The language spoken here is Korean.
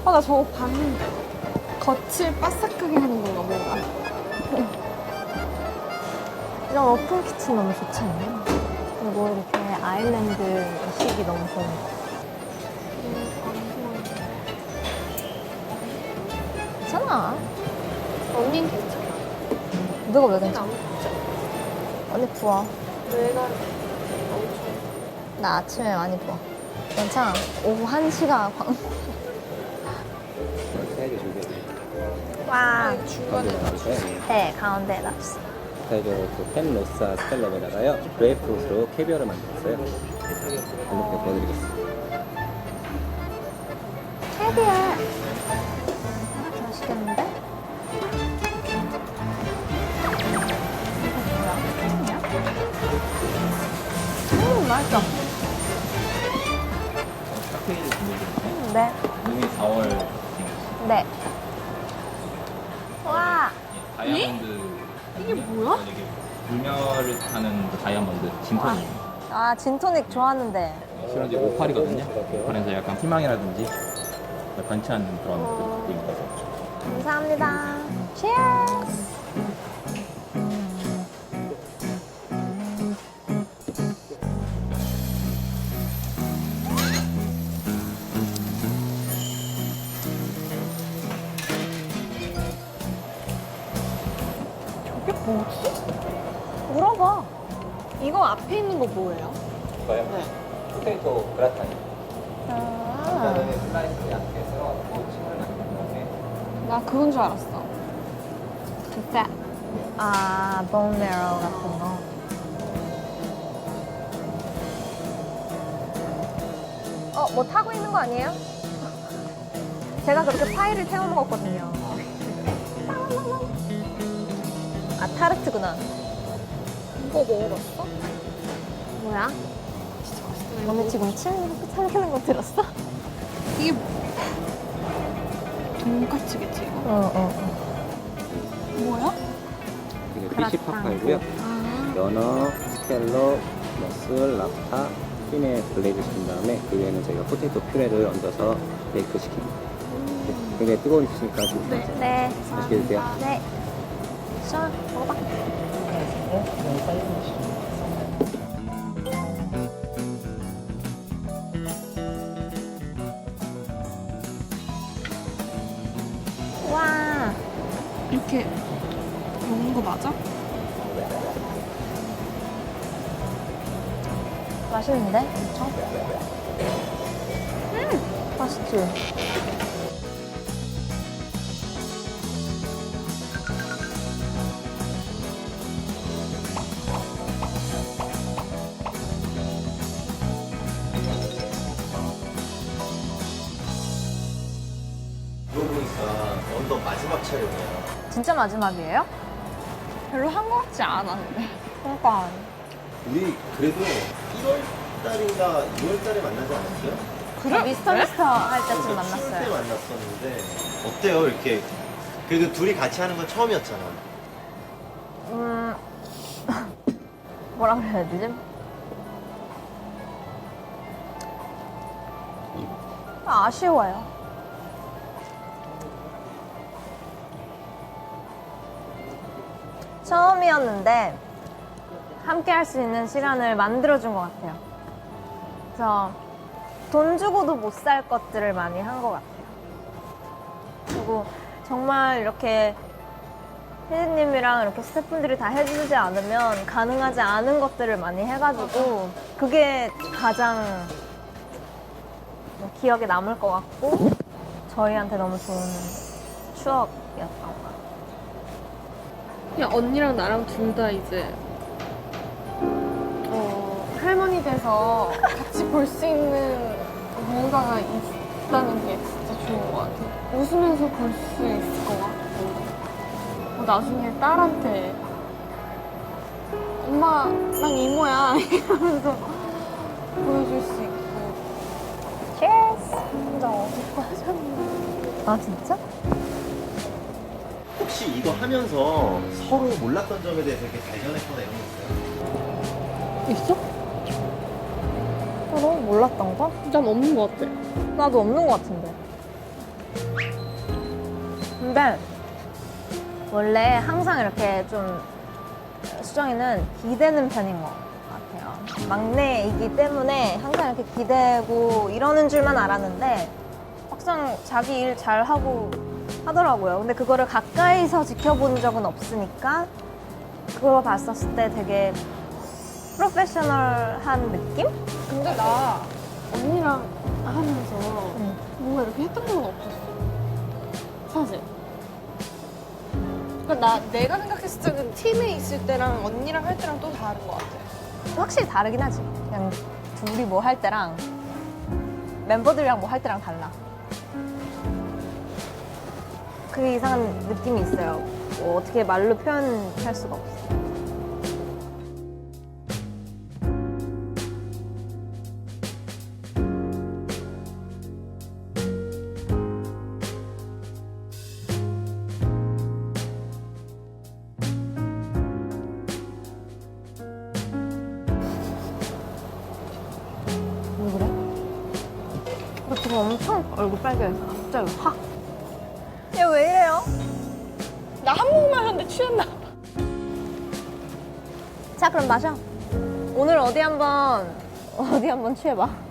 나 저거 봤는데. 겉을 바삭하게 하는 건가 뭔가. 이런 오픈 키친 너무 좋지 않나요? 그리고 이렇게 아일랜드식이 너무 좋은 거. 괜찮아. 언니는 괜찮아. 누가 왜 괜찮아? 안 먹자. 언니 부어. 내가 엄청. 나 아침에 많이 부어. 괜찮아. 오후 1시가 광. 사이즈 준비해드릴게요. 와. 중간에 놔주세요. 네, 가운데에 놨어. 사이즈로 펜로사 스텔럽에다가요. 그레이프루트로 캐비어를 만들었어요. 이렇게 보여드리겠습니다. 캐비어. 맛있겠는데? 이거 뭐야? 햄이야? 맛있어. 칵테일을 준비해드릴게요. 네. 이미 4월 네. 와. 다이아몬드. 이게 뭐야? 불멸을 타는 다이아몬드 진톤이. 아, 진토닉 좋아하는데. 실은 이제 오팔이거든요. 그래서 약간 희망이라든지 번치하는 그런 느낌입니다. 감사합니다. Cheers! 저게 뭐지? 물어봐. 이거 앞에 있는 거 뭐예요? 이거요? 네. 포테이토 그라탕. 아, 슬라이스 얇게 썰어가지고 칩을 만든 다음에 나 그건 줄 알았어. 그 fat. 아, 본메로 같은 거. 뭐 타고 있는 거 아니에요? 제가 그렇게 파이를 태워 먹었거든요. 아, 타르트구나. 이거 먹어봤어? 뭐야? 진짜 맛있어. 너네 지금 침 이렇게 참기는 거 들었어? 이게 돈까츠겠지 이거? 어. 뭐야? 이게 그라탕. 피시 파파이고요. 아. 연어, 스텔러, 머슬, 랍스타, 핀에 블레이드 시킨 다음에 그 위에는 저희가 포테이토 퓨레를 얹어서 베이크 시킵니다. 굉장히 뜨거운 피시니까 좀 네. 맛있게 드세요. 네. 자, 먹어봐. 와, 이렇게 먹는 거 맞아? 맛있는데? 엄청? 맛있지? 들어보니까 언더 마지막 촬영이에요. 진짜 마지막이에요? 별로 한 거 같지 않았는데. 그러니까. 우리 그래도 1월 달인가 2월 달에 만나지 않았어요? 그래? 미스터 미스터 할 때쯤 추울 때 만났어요. 만났었는데 어때요? 이렇게 그래도 둘이 같이 하는 건 처음이었잖아. 뭐라 그래야 되지? 아쉬워요. 처음이었는데 함께 할 수 있는 시간을 만들어준 것 같아요. 그래서 돈 주고도 못 살 것들을 많이 한 것 같아요. 그리고 정말 이렇게 피디님이랑 이렇게 스태프분들이 다 해주지 않으면 가능하지 않은 것들을 많이 해가지고 그게 가장 기억에 남을 것 같고 저희한테 너무 좋은 추억이었던 것 같아요. 그냥 언니랑 나랑 둘 다 이제 할머니 돼서 같이 볼 수 있는 뭔가가 있다는 게 진짜 좋은 것 같아요. 웃으면서 볼 수 있을 것 같고 나중에 딸한테 엄마 난 이모야 이러면서 보여줄 수 있고. Cheers! 혼자 어둡고 하셨는데. 아 진짜? 혹시 이거 하면서 서로 몰랐던 점에 대해서 이렇게 발견했거나 이런 거 있어요? 있어? 너무 몰랐던 거? 난 없는 것 같아. 나도 없는 것 같은데. 근데 원래 항상 이렇게 좀 수정이는 기대는 편인 것 같아요. 막내이기 때문에 항상 이렇게 기대고 이러는 줄만 알았는데 막상 자기 일 잘하고 하더라고요. 근데 그거를 가까이서 지켜본 적은 없으니까 그걸 봤었을 때 되게 프로페셔널한 느낌? 근데 나 언니랑 하면서 뭔가 이렇게 했던 적은 없었어. 사실. 그러니까 내가 생각했을 때는 팀에 있을 때랑 언니랑 할 때랑 또 다른 것 같아. 확실히 다르긴 하지. 그냥 둘이 뭐 할 때랑 멤버들이랑 뭐 할 때랑 달라. 그 이상한 느낌이 있어요. 뭐 어떻게 말로 표현할 수가 없어. 왜 그래? 너 지금 엄청 얼굴 빨개졌어. 갑자기 확. 얘 왜 이래요? 나 한 모금 마셨는데 취했나 봐. 자, 그럼 마셔. 오늘 어디 한번 취해봐.